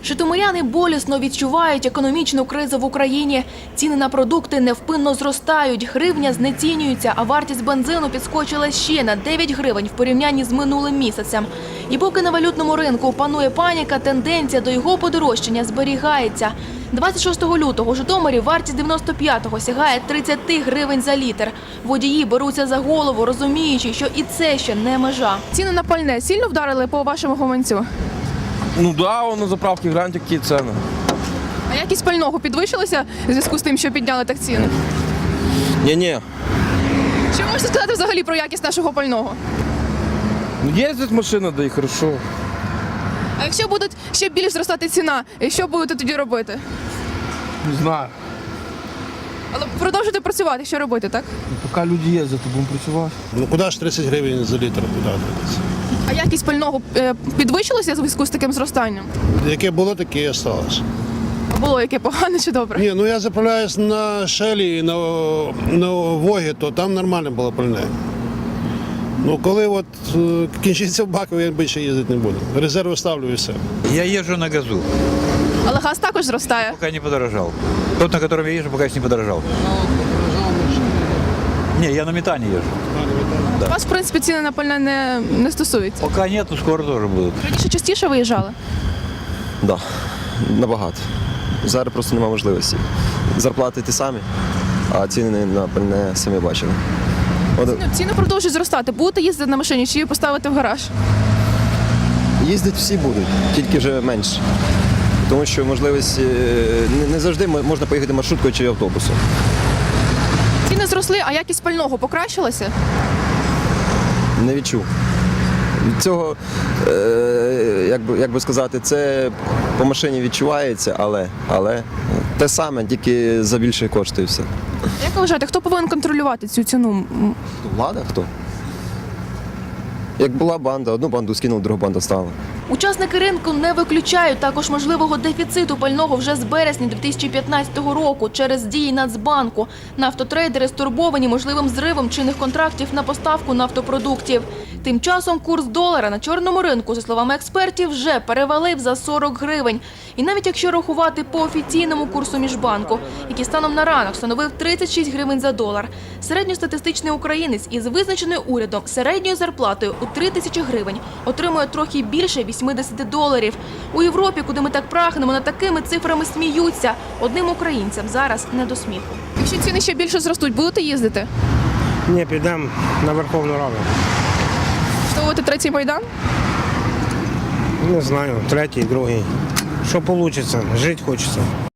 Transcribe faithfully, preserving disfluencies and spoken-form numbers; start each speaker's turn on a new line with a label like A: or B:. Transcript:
A: Житомиряни болісно відчувають економічну кризу в Україні. Ціни на продукти невпинно зростають, гривня знецінюється, а вартість бензину підскочила ще на дев'ять гривень в порівнянні з минулим місяцем. І поки на валютному ринку панує паніка, тенденція до його подорожчання зберігається. двадцять шостого лютого у Житомирі вартість дев'яносто п'ятого сягає тридцять гривень за літр. Водії беруться за голову, розуміючи, що і це ще не межа. Ціни на пальне сильно вдарили по вашому гаманцю?
B: Ну да, на заправці гляньте, які ціни.
A: А якість пального підвищилася в зв'язку з тим, що підняли так ціни?
B: Ні-ні.
A: Що можете сказати взагалі про якість нашого пального?
B: Ну їздить машина, да і хорошо.
A: А якщо буде ще більш зростати ціна, що будете тоді робити?
B: Не знаю.
A: Але продовжуйте працювати, що робити, так?
B: Поки люди їздять, то будемо працювати.
C: Ну куди ж тридцять гривень за літр? Куди дивитися?
A: А якість пального е, підвищилася в зв'язку з таким зростанням?
C: Яке було, таке і осталось.
A: Було яке погане чи добре?
C: Ні, ну я заправляюсь на Шелі і на, на Вогі, то там нормально було пальне. Ну коли от е, кінчиться в баку, я більше їздити не буду. Резерви ставлю і все.
D: Я езжу на газу,
A: Але газ також зростає.
D: пока не подорожал. Тот, на котором я езжу, пока еще не подорожал. Не, я на метане езжу.
A: У вас, в принципі, ціни на пальне не, не стосуються.
D: Пока нет, но скоро тоже будут.
A: Раніше частіше виїжджали?
E: Так, да, набагато. Зараз просто немає можливості. Зарплати ті самі, а ціни на пальне самі бачили. От,
A: Ну, ціни продовжують зростати. Будете їздити на машині чи її поставити в гараж?
E: їздять всі будуть, тільки вже менше. Тому що можливість е, не, не завжди мо- можна поїхати маршруткою чи автобусом.
A: Ціни зросли, а якість пального покращилася?
E: Не відчув. Від цього, е, як, би, як би сказати, це по машині відчувається, але, але те саме, тільки за більше коштує все.
A: Як ви вважаєте, хто повинен контролювати цю ціну? М,
E: Влада хто? Як була банда, одну банду скинув, другу банду стала.
A: Учасники ринку не виключають також можливого дефіциту пального вже з березня дві тисячі п'ятнадцятого року через дії Нацбанку. Нафтотрейдери стурбовані можливим зривом чинних контрактів на поставку нафтопродуктів. Тим часом курс долара на чорному ринку, за словами експертів, вже перевалив за сорок гривень. І навіть якщо рахувати по офіційному курсу Міжбанку, який станом на ранок становив тридцять шість гривень за долар, середньостатистичний українець із визначеною урядом середньою зарплатою у три тисячі гривень отримує трохи більше вісімдесят доларів. У Європі, куди ми так прагнемо, над такими цифрами сміються. Одним українцям зараз не до сміху. Якщо ціни ще більше зростуть, будете їздити?
F: Ні, підемо на Верховну Раду.
A: Штовувати третій Майдан?
F: Не знаю, третій, другий. Що вийде, жити хочеться.